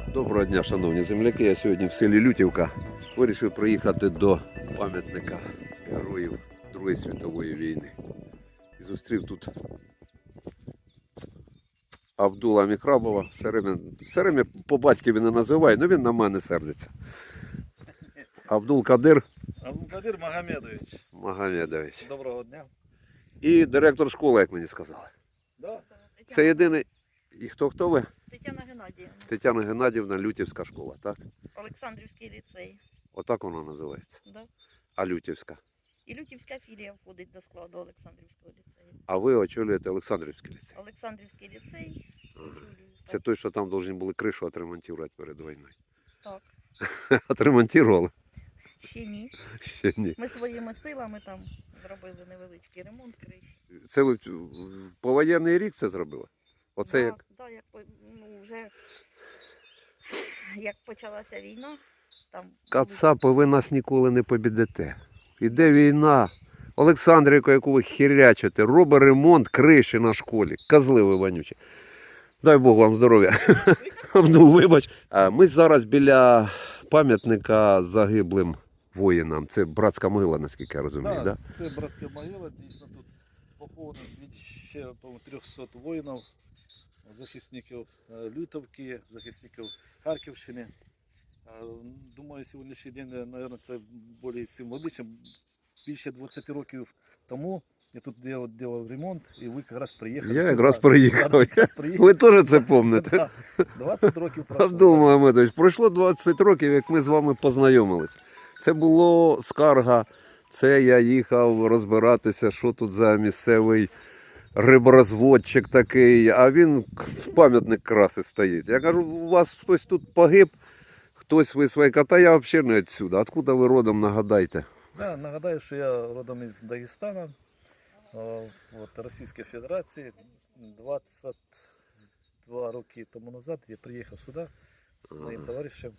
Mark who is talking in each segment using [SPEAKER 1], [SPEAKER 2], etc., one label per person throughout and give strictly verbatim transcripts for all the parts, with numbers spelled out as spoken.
[SPEAKER 1] Доброго дня, шановні земляки. Я сьогодні в селі Лютівка. Вирішив приїхати до пам'ятника героїв Другої світової війни. І зустрів тут Абдула Міхрабова. Все время, все время по батькові не називаю, але він на мене сердиться. Абдул Кадир
[SPEAKER 2] Абдул-Кадир Магомедович.
[SPEAKER 1] Магомедович.
[SPEAKER 2] Доброго дня.
[SPEAKER 1] І директор школи, як мені сказали.
[SPEAKER 2] Да.
[SPEAKER 1] Це єдиний. І хто хто ви?
[SPEAKER 3] Тетяна Геннадіївна.
[SPEAKER 1] Тетяна Геннадіївна, Лютівська школа, так?
[SPEAKER 3] Олександрівський ліцей.
[SPEAKER 1] Отак вона називається.
[SPEAKER 3] Да.
[SPEAKER 1] А Лютівська?
[SPEAKER 3] І Лютівська філія входить до складу Олександрівського ліцею.
[SPEAKER 1] А ви очолюєте Олександрівський ліцей.
[SPEAKER 3] Олександрівський ліцей. очолюю.
[SPEAKER 1] Це
[SPEAKER 3] Так.
[SPEAKER 1] той, що там повинні були кришу отремонтувати перед війною.
[SPEAKER 3] Так.
[SPEAKER 1] Отремонтували?
[SPEAKER 3] Ще ні.
[SPEAKER 1] Ще ні.
[SPEAKER 3] Ми своїми силами там зробили невеличкий ремонт криші.
[SPEAKER 1] Це ви в повоєнний рік це зробили? Оце
[SPEAKER 3] да,
[SPEAKER 1] як?
[SPEAKER 3] Да, як, по- ну, вже, як почалася війна, там
[SPEAKER 1] Кацапи, ви нас ніколи не побідете. Іде війна. Олександрівка, яку ви хірячите, робить ремонт криші на школі. Козли ви вонючі. Дай Бог вам здоров'я. Ну, вибач. А Ми зараз біля пам'ятника загиблим воїнам. Це братська могила, наскільки я розумію,
[SPEAKER 2] Так,
[SPEAKER 1] да?
[SPEAKER 2] Це братська могила, дійсно тут поховано від ще по трьохсот воїнів, захисників е, Лютовки, захисників Харківщини. Е, Думаю, сьогоднішній день, мабуть, це більш символічно. Більше двадцять років тому я тут делав, делав ремонт, і ви якраз приїхали.
[SPEAKER 1] Я
[SPEAKER 2] сюди.
[SPEAKER 1] якраз
[SPEAKER 2] Да,
[SPEAKER 1] приїхав.
[SPEAKER 2] якраз приїхав.
[SPEAKER 1] Ви теж це пам'ятаєте?
[SPEAKER 2] Да, двадцять років пройшло.
[SPEAKER 1] Абдул Магомедович, пройшло двадцять років, як ми з вами познайомились. Це було скарга, це я їхав розбиратися, що тут за місцевий риборозводчик такий, а він пам'ятник краси стоїть. Я кажу, у вас хтось тут погиб, хтось ви свої кота, я взагалі не відсюди. Откуда ви родом, нагадайте?
[SPEAKER 2] Да, нагадаю, що я родом із Дагестана, е, от, Російської Федерації. двадцять два роки тому назад я приїхав сюди з моїм товаришем,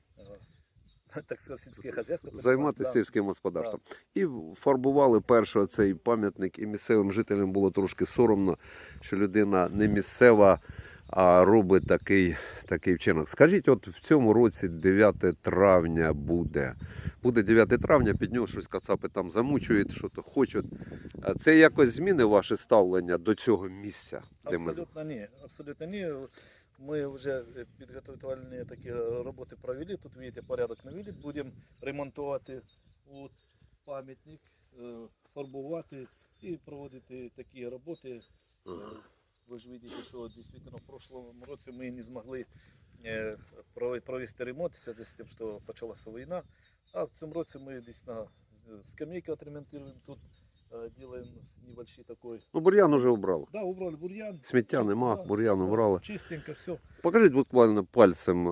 [SPEAKER 2] е, так сказати, сільське хазяйство.
[SPEAKER 1] Займатися
[SPEAKER 2] Да.
[SPEAKER 1] сільським господарством. І фарбували перший цей пам'ятник, і місцевим жителям було трошки соромно, що людина не місцева, а робить такий, такий вчинок. Скажіть, от в цьому році дев'яте травня буде. Буде дев'яте травня, під нього щось кацапи там замучують, що то хочуть. А це якось зміни ваше ставлення до цього місця? Де ми...
[SPEAKER 2] Абсолютно ні. Абсолютно ні. Ми вже підготовлені такі роботи провели. Тут, бачите, порядок навели. Будемо ремонтувати от, пам'ятник, е, фарбувати і проводити такі роботи. Е, Ви ж бачите, що дійсно в прошлому році ми не змогли е, прови- провести ремонт в зв'язку з тим, що почалася війна. А в цьому році ми дійсно скамейки отремонтуємо тут, е, делаем небольшой такой.
[SPEAKER 1] Ну, бур'ян уже убрали.
[SPEAKER 2] Да, убрали бур'ян.
[SPEAKER 1] Сміття нема,
[SPEAKER 2] Да,
[SPEAKER 1] бур'ян
[SPEAKER 2] да,
[SPEAKER 1] убрали.
[SPEAKER 2] Чистенько, все.
[SPEAKER 1] Покажіть буквально пальцем е,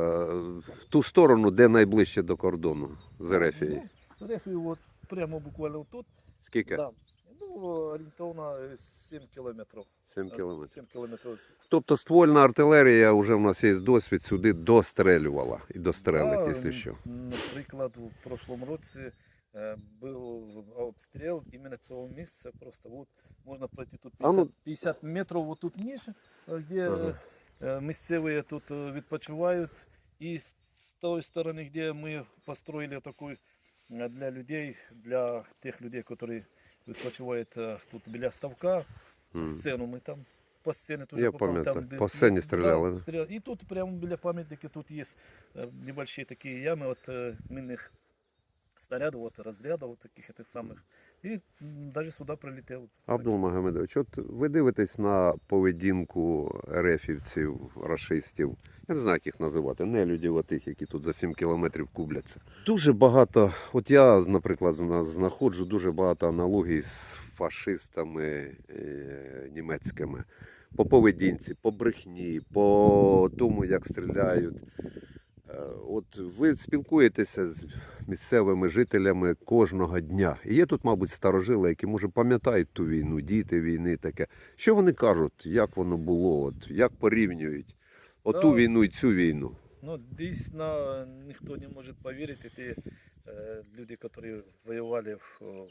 [SPEAKER 1] в ту сторону, де найближче до кордону з Ерефією.
[SPEAKER 2] Ну, Рефію от прямо буквально тут.
[SPEAKER 1] Скільки?
[SPEAKER 2] Да. Ну, орієнтовно сім кілометрів.
[SPEAKER 1] сім кілометрів.
[SPEAKER 2] сім кілометрів.
[SPEAKER 1] Тобто ствольна артилерія, вже в нас є досвід, сюди дострелювала і дострелить,
[SPEAKER 2] Да,
[SPEAKER 1] якщо що.
[SPEAKER 2] Наприклад, у прошлому році е, був обстріл іменно цього місця. Просто от можна пройти тут
[SPEAKER 1] А ну-
[SPEAKER 2] п'ятдесят, п'ятдесят метрів от тут ніж, де
[SPEAKER 1] Ага.
[SPEAKER 2] е, місцеві тут е, відпочивають. І з з тої сторони, де ми построїли таку е, для людей, для тих людей, які відпочивають е, тут біля ставка,
[SPEAKER 1] М.
[SPEAKER 2] сцену ми там. По сцені теж
[SPEAKER 1] Я
[SPEAKER 2] попав,
[SPEAKER 1] пам'ятаю,
[SPEAKER 2] там, де
[SPEAKER 1] по сцені
[SPEAKER 2] є-
[SPEAKER 1] стріляли,
[SPEAKER 2] Да,
[SPEAKER 1] да?
[SPEAKER 2] стріляли. І тут прямо біля пам'ятника тут є е, небольшие такі ями от е, мінних снарядів, от розрядів, от таких этих самих. І навіть сюди прилетів.
[SPEAKER 1] Абдул Магомедович, от ви дивитесь на поведінку ерефівців, рашистів, я не знаю, як їх називати, нелюдів отих, які тут за сім кілометрів кубляться. Дуже багато, от я, наприклад, зна- знаходжу дуже багато аналогій з фашистами е, німецькими. По поведінці, по брехні, по тому, як стріляють. Е, От ви спілкуєтеся з місцевими жителями кожного дня. І є тут, мабуть, старожили, які, може, пам'ятають ту війну, діти війни таке. Що вони кажуть, як воно було, от, як порівнюють оту
[SPEAKER 2] Да.
[SPEAKER 1] війну і цю війну?
[SPEAKER 2] Ну, дійсно, ніхто не може повірити, ті е, люди, які воювали в,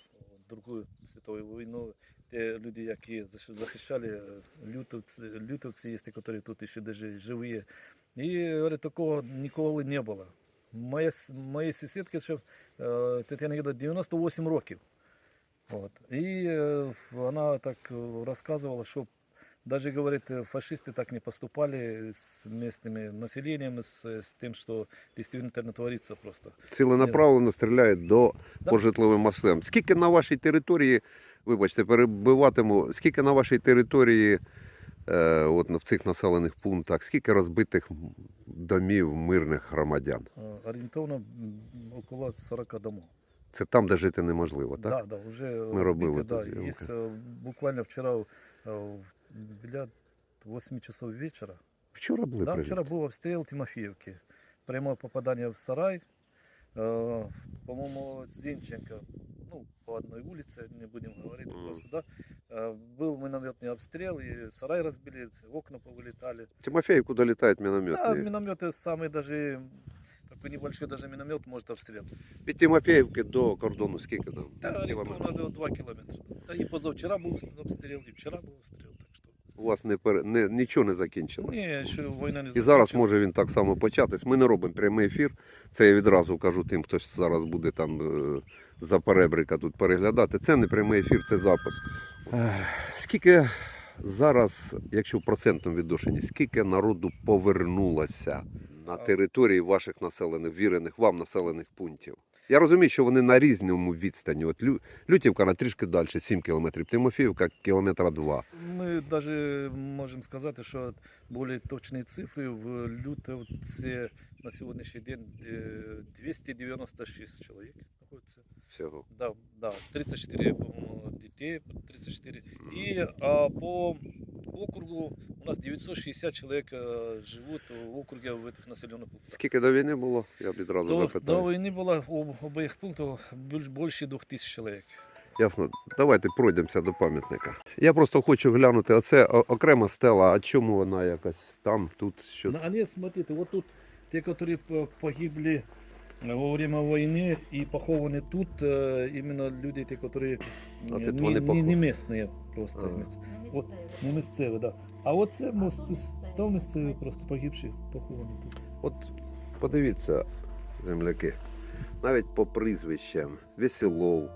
[SPEAKER 2] Другу світову війну, ті люди, які защ- захищали, е, лютовці, лютовці є, які тут ще даже живі. І говорить, такого ніколи не було. Моя, с- моїй сусідці ще е, Тетяна Гіда дев'яносто вісім років. От. І е, вона так е, розказувала, що даже, говорит, фашисты так не поступали с местными населением, с, с тем, что действительно творится просто.
[SPEAKER 1] Ціленаправленно стріляють до
[SPEAKER 2] Да.
[SPEAKER 1] по житловим масивам. Скільки на вашій території, вибачте, перебиватиму, скільки на вашій території, е, от в цих населених пунктах, скільки розбитих домів мирних громадян?
[SPEAKER 2] Э, Ориентовно м, около сорока домов.
[SPEAKER 1] Це там, де жити неможливо, так?
[SPEAKER 2] Да, да, уже
[SPEAKER 1] Мы робили
[SPEAKER 2] разбиты,
[SPEAKER 1] тут
[SPEAKER 2] да.
[SPEAKER 1] съемки.
[SPEAKER 2] Есть, э, буквально вчера э, біля восьми часов вечера.
[SPEAKER 1] Вчора були
[SPEAKER 2] Да,
[SPEAKER 1] прильоти.
[SPEAKER 2] вчера был обстрел Тимофеевки. Прямое попадание в сарай. Э, По-моему, Зинченко, ну, по одной улице, не будем говорить,
[SPEAKER 1] Мгм.
[SPEAKER 2] просто, да. Э, Был минометный обстрел, и сарай разбили, окна повылетали.
[SPEAKER 1] Тимофеївку долітають
[SPEAKER 2] Да,
[SPEAKER 1] мінометні.
[SPEAKER 2] минометы самый даже, такой небольшой даже миномет может обстрел.
[SPEAKER 1] Від Тимофеївки до кордону скільки там?
[SPEAKER 2] Да,
[SPEAKER 1] Кілометрів?
[SPEAKER 2] ориентовно два километра. Да, и позавчера был обстрел, и вчера был обстрел, так что...
[SPEAKER 1] У вас не, пере... не, нічого не закінчилось.
[SPEAKER 2] Не, еще война не
[SPEAKER 1] І зараз
[SPEAKER 2] закончилась.
[SPEAKER 1] може він так само початись. Ми не робимо прямий ефір. Це я відразу кажу тим, хто зараз буде там е, за перебрика тут переглядати. Це не прямий ефір, це запис. Ех, Скільки зараз, якщо в процентному відношенні, скільки народу повернулося на території ваших населених, вірених вам населених пунктів? Я розумію, що вони на різному відстані. От Лю- Лютівка на трішки далі, сім кілометрів, Тимофіївка кілометра два.
[SPEAKER 2] Мы даже можем сказать, что более точные цифры в Лютовце на сегодняшний день э, двести девяносто шесть человек находится.
[SPEAKER 1] Всього.
[SPEAKER 2] Да, да, тридцать четыре, по-моему, детей, тридцать четыре. И а, по округу у нас девятьсот шестьдесят человек э, живут в округе в этих населенных пунктах.
[SPEAKER 1] Скільки до війни було? Я б відразу
[SPEAKER 2] До,
[SPEAKER 1] запитаю.
[SPEAKER 2] до войны было в обоих пунктах больше- больше двух тысяч человек.
[SPEAKER 1] Ясно. Давайте пройдемося до пам'ятника. Я просто хочу глянути, оце о- окрема стела, а чому вона якась там, тут, що
[SPEAKER 2] Ну,
[SPEAKER 1] це?
[SPEAKER 2] а нет, смотрите, вот тут те, которые по- погибли во время войны и похованы тут, э, именно люди, те, которые
[SPEAKER 1] А
[SPEAKER 2] э,
[SPEAKER 1] це
[SPEAKER 2] не,
[SPEAKER 1] вони
[SPEAKER 2] не,
[SPEAKER 1] похов-
[SPEAKER 2] не местные просто.
[SPEAKER 1] Ага.
[SPEAKER 2] місць- От, не місцеві, да. А от це мост, там місцеві просто погибші, поховані тут.
[SPEAKER 1] От подивіться, земляки, навіть по прізвищам Веселов,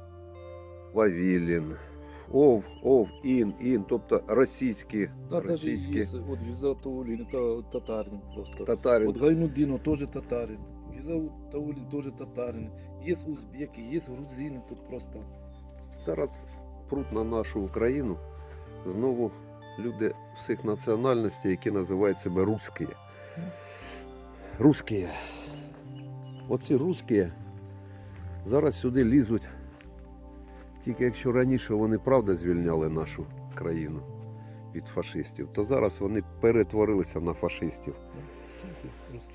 [SPEAKER 1] Вавілін, Ов, Ов, Ін, Ін, тобто російські,
[SPEAKER 2] Да, даже
[SPEAKER 1] російські,
[SPEAKER 2] есть, вот Гизатулин, это татарин просто.
[SPEAKER 1] татарин.
[SPEAKER 2] Вот Гайнуддинов тоже татарин. Гизатулин тоже татарин. Есть узбеки, есть грузины тут просто.
[SPEAKER 1] Зараз пруть на нашу Україну знову люди всіх національностей, які називають себе русські. Русські. Оці русські зараз сюди лізуть. Тільки якщо раніше вони правда звільняли нашу країну від фашистів, то зараз вони перетворилися на фашистів.
[SPEAKER 2] Всяких русских.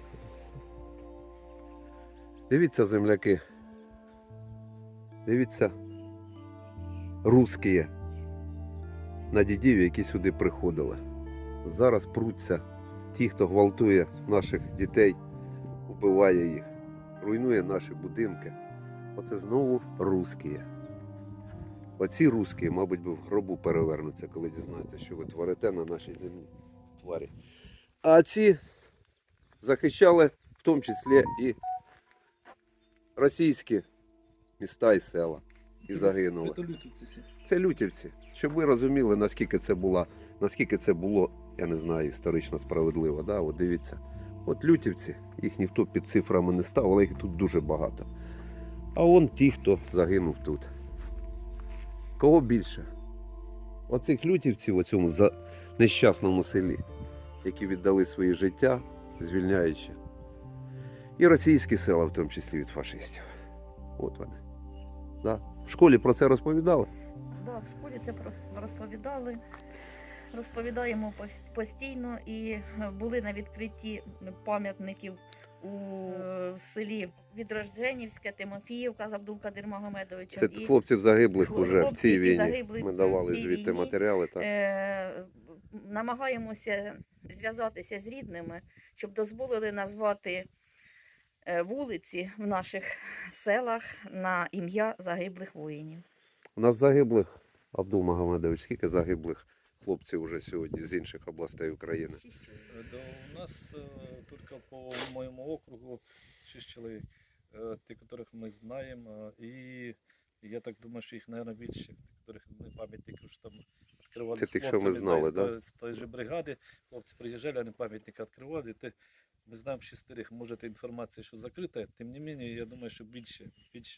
[SPEAKER 1] Дивіться, земляки. Дивіться, русські на дідів, які сюди приходили. Зараз пруться ті, хто гвалтує наших дітей, вбиває їх, руйнує наші будинки. Оце знову русські. Оці русські, мабуть, би в гробу перевернуться, коли дізнаються, що ви творите на нашій землі, тварі. А ці захищали в тому числі і російські міста і села. І загинули.
[SPEAKER 2] Это лютовцы все.
[SPEAKER 1] Це лютівці. Щоб ви розуміли, наскільки це було, наскільки це було, я не знаю, історично справедливо. Да? От дивіться. От лютівці, їх ніхто під цифрами не став, але їх тут дуже багато. А он ті, хто загинув тут. Кого більше? Оцих лютівців у цьому за... нещасному селі, які віддали своє життя, звільняючи. І російські села, в тому числі від фашистів. От вони. Да? В школі про це розповідали?
[SPEAKER 3] Да, в школі це прос- розповідали. Розповідаємо пос- постійно і е, були на відкритті пам'ятників у е, селі Відродженівське, Тимофіївка з Абдулкадир Магомедовичем.
[SPEAKER 1] Це
[SPEAKER 3] І,
[SPEAKER 1] хлопців загиблих
[SPEAKER 3] хлопці,
[SPEAKER 1] уже в цій
[SPEAKER 3] які
[SPEAKER 1] війні.
[SPEAKER 3] загибли
[SPEAKER 1] Ми
[SPEAKER 3] в
[SPEAKER 1] давали
[SPEAKER 3] цій
[SPEAKER 1] звідти
[SPEAKER 3] війні.
[SPEAKER 1] матеріали. Так.
[SPEAKER 3] е, намагаємося зв'язатися з рідними, щоб дозволили назвати е, вулиці в наших селах на ім'я загиблих воїнів.
[SPEAKER 1] У нас загиблих, Абдул Магомедович, скільки загиблих хлопців уже сьогодні з інших областей України?
[SPEAKER 2] Э, Да, у нас э, только по моему округу шесть человек, э, те, которых мы знаем, э, и я так думаю, что их, наверное, більше, которых мы пам'ятники що там відкривали
[SPEAKER 1] Це
[SPEAKER 2] з
[SPEAKER 1] тих, що ми
[SPEAKER 2] хлопцями,
[SPEAKER 1] знали,
[SPEAKER 2] із
[SPEAKER 1] да?
[SPEAKER 2] тої- з тої же бригади, хлопці приїжджали, вони пам'ятники відкривали, те, ми знаємо шестерих, може, це інформація, що закрита, тим не менее, я думаю, що більше, більше.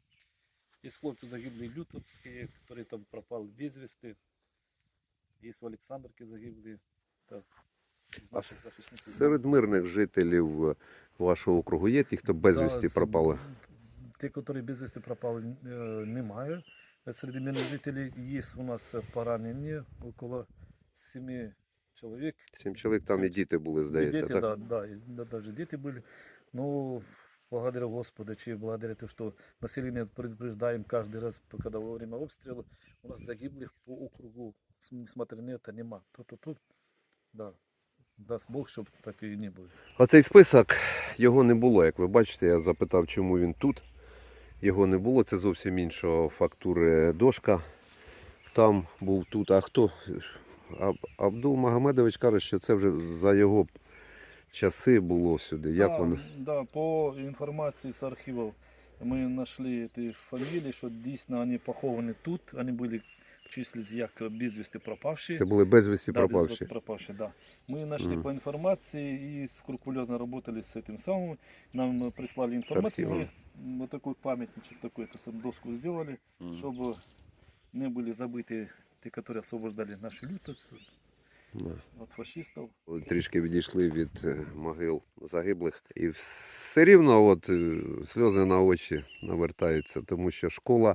[SPEAKER 2] Є хлопці загиблі лютовські, які там пропали без вести, є в Олександрівці загиблі, так, з
[SPEAKER 1] А
[SPEAKER 2] наших захисників.
[SPEAKER 1] серед мирних жителів вашого округу є ті, хто безвісті
[SPEAKER 2] з-
[SPEAKER 1] пропали?
[SPEAKER 2] Ті, які безвісти пропали, е, немає. Серед мирних жителів є у нас поранені, около семи чоловік.
[SPEAKER 1] Сім чоловік, там і
[SPEAKER 2] Сім-
[SPEAKER 1] діти були,
[SPEAKER 2] И
[SPEAKER 1] здається,
[SPEAKER 2] дети,
[SPEAKER 1] так?
[SPEAKER 2] да, да, и да, даже дети были. Ну, благодаря Господу, чи благодаря тому, что население предупреждаем каждый раз, когда во время обстрела, у нас загиблых по округу, с- несмотря на это, нема. Тут-тут-тут, да. Даст Бог, щоб так і не було.
[SPEAKER 1] Оцей список, його не було, як ви бачите, я запитав, чому він тут. Його не було, це зовсім іншого фактури дошка. Там був тут. А хто? Аб- Абдул Магомедович каже, що це вже за його часи було сюди. Як
[SPEAKER 2] да,
[SPEAKER 1] воно?
[SPEAKER 2] Да, по інформації з архівів ми знайшли ці фамілії, що дійсно вони поховані тут, вони були числились як безвісти пропавші.
[SPEAKER 1] Це були безвісті
[SPEAKER 2] Да,
[SPEAKER 1] пропавші.
[SPEAKER 2] безвестно пропавшие, да. Мы нашли
[SPEAKER 1] Мгм.
[SPEAKER 2] по информации и скрупулезно работали с этим самым. Нам э, прислали информацию. Мы
[SPEAKER 1] архивом.
[SPEAKER 2] м, вот такой памятничек, такой это сам доску сделали,
[SPEAKER 1] Мгм.
[SPEAKER 2] чтобы не были забыты те, которые освобождали наши лютовцы
[SPEAKER 1] Да.
[SPEAKER 2] от фашистов.
[SPEAKER 1] Трішки відійшли від е, могил загиблих. І все рівно от, е, сльози на очі навертаються, тому що школа,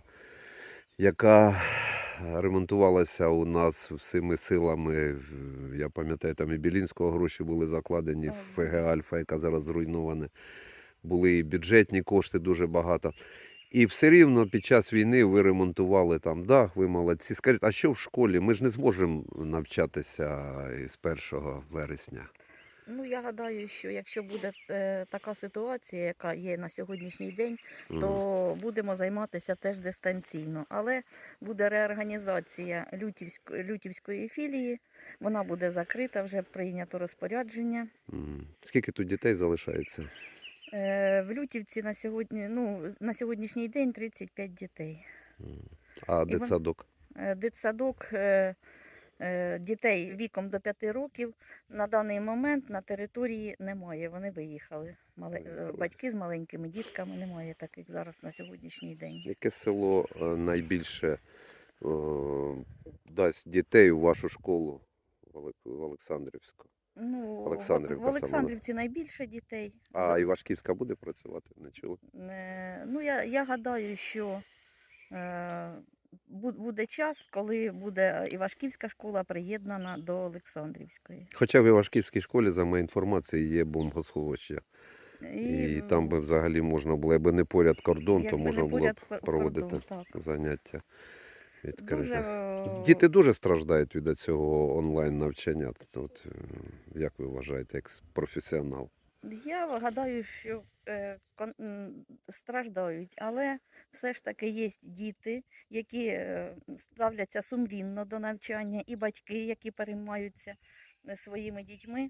[SPEAKER 1] яка ремонтувалася у нас всіми силами, в- я пам'ятаю, там і Білінського гроші були закладені,
[SPEAKER 3] Так.
[SPEAKER 1] в ФГ Альфа, яка зараз зруйнована. Були і бюджетні кошти дуже багато. І все рівно під час війни ви ремонтували там дах, ви молодці. Скажіть, а що в школі? Ми ж не зможемо навчатися з першого вересня.
[SPEAKER 3] Ну, я гадаю, що якщо буде е, така ситуація, яка є на сьогоднішній день,
[SPEAKER 1] Мгм.
[SPEAKER 3] то будемо займатися теж дистанційно. Але буде реорганізація Лютівської, Лютівської філії, вона буде закрита, вже прийнято розпорядження.
[SPEAKER 1] Мгм. Скільки тут дітей залишається?
[SPEAKER 3] Е, В Лютівці на сьогодні, ну, на сьогоднішній день тридцять п'ять дітей.
[SPEAKER 1] Мгм. А
[SPEAKER 3] вон-
[SPEAKER 1] дитсадок?
[SPEAKER 3] Е, Дитсадок е, е, дітей віком до п'яти років на даний момент на території немає. Вони виїхали. Мале-
[SPEAKER 1] Виїхали.
[SPEAKER 3] Батьки з маленькими дітками немає таких зараз на сьогоднішній день.
[SPEAKER 1] Яке село е, найбільше е, дасть дітей у вашу школу в Олек- в Олександрівську?
[SPEAKER 3] Ну, в-
[SPEAKER 1] Олександрівка
[SPEAKER 3] в
[SPEAKER 1] саме.
[SPEAKER 3] Олександрівці найбільше дітей.
[SPEAKER 1] А
[SPEAKER 3] За-
[SPEAKER 1] Івашківська буде працювати? Не чули?
[SPEAKER 3] Е, Ну, я, я гадаю, що е, бу- буде час, коли буде Івашківська школа приєднана до Олександрівської.
[SPEAKER 1] Хоча в Івашківській школі, за моєю інформацією, є бомбосховище. І,
[SPEAKER 3] в-
[SPEAKER 1] там би взагалі можна було, якби не поряд кордон, то
[SPEAKER 3] якби
[SPEAKER 1] можна
[SPEAKER 3] не
[SPEAKER 1] було б
[SPEAKER 3] поряд кор-
[SPEAKER 1] проводити
[SPEAKER 3] кордон, так.
[SPEAKER 1] заняття відкрите.
[SPEAKER 3] Дуже, е,
[SPEAKER 1] Діти дуже страждають від цього онлайн навчання. От, е, як ви вважаєте, як професіонал?
[SPEAKER 3] Я гадаю, що е, кон- м, страждають, але все ж таки є діти, які е, ставляться сумлінно до навчання, і батьки, які переймаються е, своїми дітьми,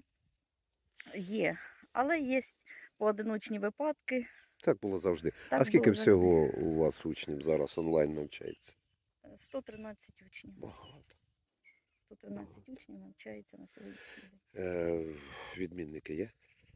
[SPEAKER 3] є. Але є поодиночні випадки.
[SPEAKER 1] Так було завжди.
[SPEAKER 3] Так
[SPEAKER 1] а скільки
[SPEAKER 3] було завжди.
[SPEAKER 1] всього у вас учнів зараз онлайн навчається?
[SPEAKER 3] сто тринадцять учнів.
[SPEAKER 1] Багато.
[SPEAKER 3] сто тринадцять учнів навчається на сьогоднішній день.
[SPEAKER 1] Е, відмінники є?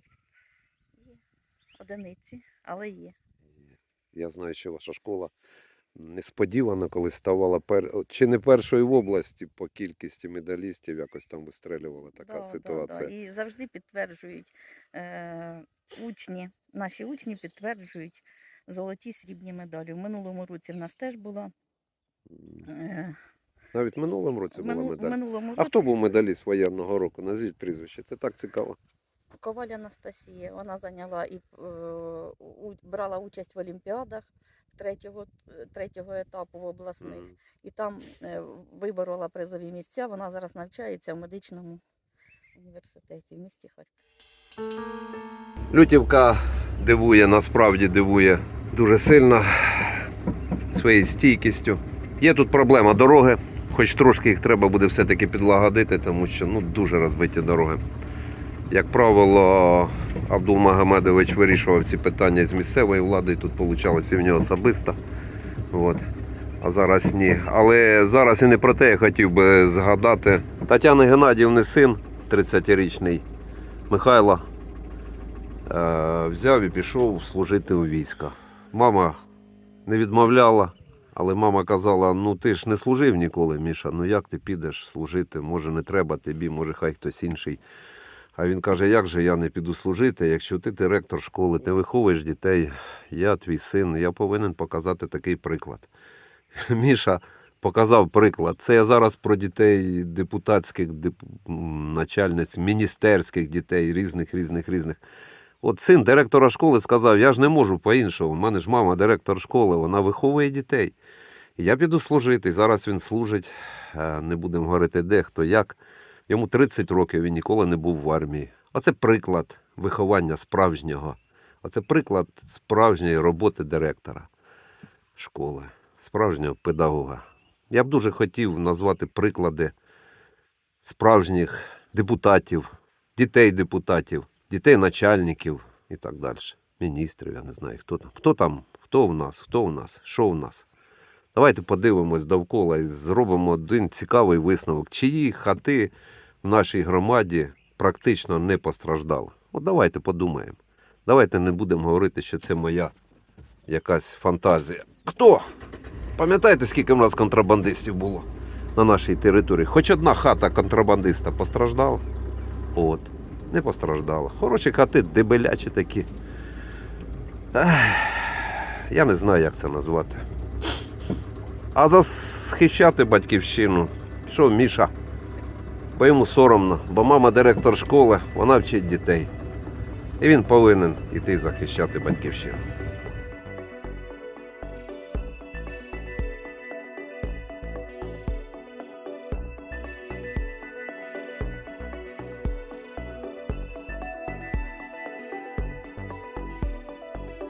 [SPEAKER 3] Є одиниці, але є.
[SPEAKER 1] Я знаю, що ваша школа несподівано, коли ставала пер... от чи не першою в області по кількості медалістів, якось там вистрелювала така
[SPEAKER 3] Да,
[SPEAKER 1] ситуація.
[SPEAKER 3] Да, да. І завжди підтверджують е, учні, наші учні підтверджують золоті срібні медалі. В минулому році в нас теж була.
[SPEAKER 1] М.
[SPEAKER 3] Е,
[SPEAKER 1] Навіть в минулому році
[SPEAKER 3] в
[SPEAKER 1] була
[SPEAKER 3] мину- в
[SPEAKER 1] медаль.
[SPEAKER 3] минулому році
[SPEAKER 1] А хто був медаліст воєнного року? Назвіть прізвище. Це так цікаво.
[SPEAKER 3] Коваль Анастасія. Вона зайняла і е, у, брала участь в олімпіадах третього, третього етапу в обласних.
[SPEAKER 1] Мгм.
[SPEAKER 3] І там е, виборола призові місця. Вона зараз навчається в медичному університеті в місті Харків.
[SPEAKER 1] Лютівка дивує, насправді дивує дуже сильно своєю стійкістю. Є тут проблема дороги, хоч трошки їх треба буде все-таки підлагодити, тому що ну, дуже розбиті дороги. Як правило, Абдулмагомедович вирішував ці питання з місцевої влади, і тут вийшло і в нього особисто. От. А зараз ні. Але зараз і не про те я хотів би згадати. Тетяни Геннадіївни син, тридцятирічний Михайло, е- взяв і пішов служити у війська. Мама не відмовляла, але мама казала, ну ти ж не служив ніколи, Міша, ну як ти підеш служити, може не треба тобі, може хай хтось інший. А він каже, як же я не піду служити, якщо ти директор школи, ти виховуєш дітей, я твій син, я повинен показати такий приклад. Міша показав приклад. Це я зараз про дітей депутатських, деп... начальниць, міністерських дітей, різних, різних, різних. От син директора школи сказав, я ж не можу по-іншому, в мене ж мама директор школи, вона виховує дітей. Я піду служити, зараз він служить, не будемо говорити де, хто як. Йому тридцять років, він ніколи не був в армії. Оце приклад виховання справжнього. Оце приклад справжньої роботи директора школи, справжнього педагога. Я б дуже хотів назвати приклади справжніх депутатів, дітей-депутатів, дітей-начальників і так далі. Міністрів, я не знаю, хто там. Хто там, хто в нас, хто в нас, що в нас. Давайте подивимось довкола і зробимо один цікавий висновок. Чиї хати в нашій громаді практично не постраждали. От давайте подумаємо. Давайте не будемо говорити, що це моя якась фантазія. Хто? Пам'ятаєте, скільки в нас контрабандистів було на нашій території? Хоч одна хата контрабандиста постраждала? От, не постраждала. Хороші хати, дебелячі такі. Ех, я не знаю, як це назвати. А захищати батьківщину, що Міша? Бо йому соромно, бо мама директор школи, вона вчить дітей. І він повинен іти захищати батьківщину.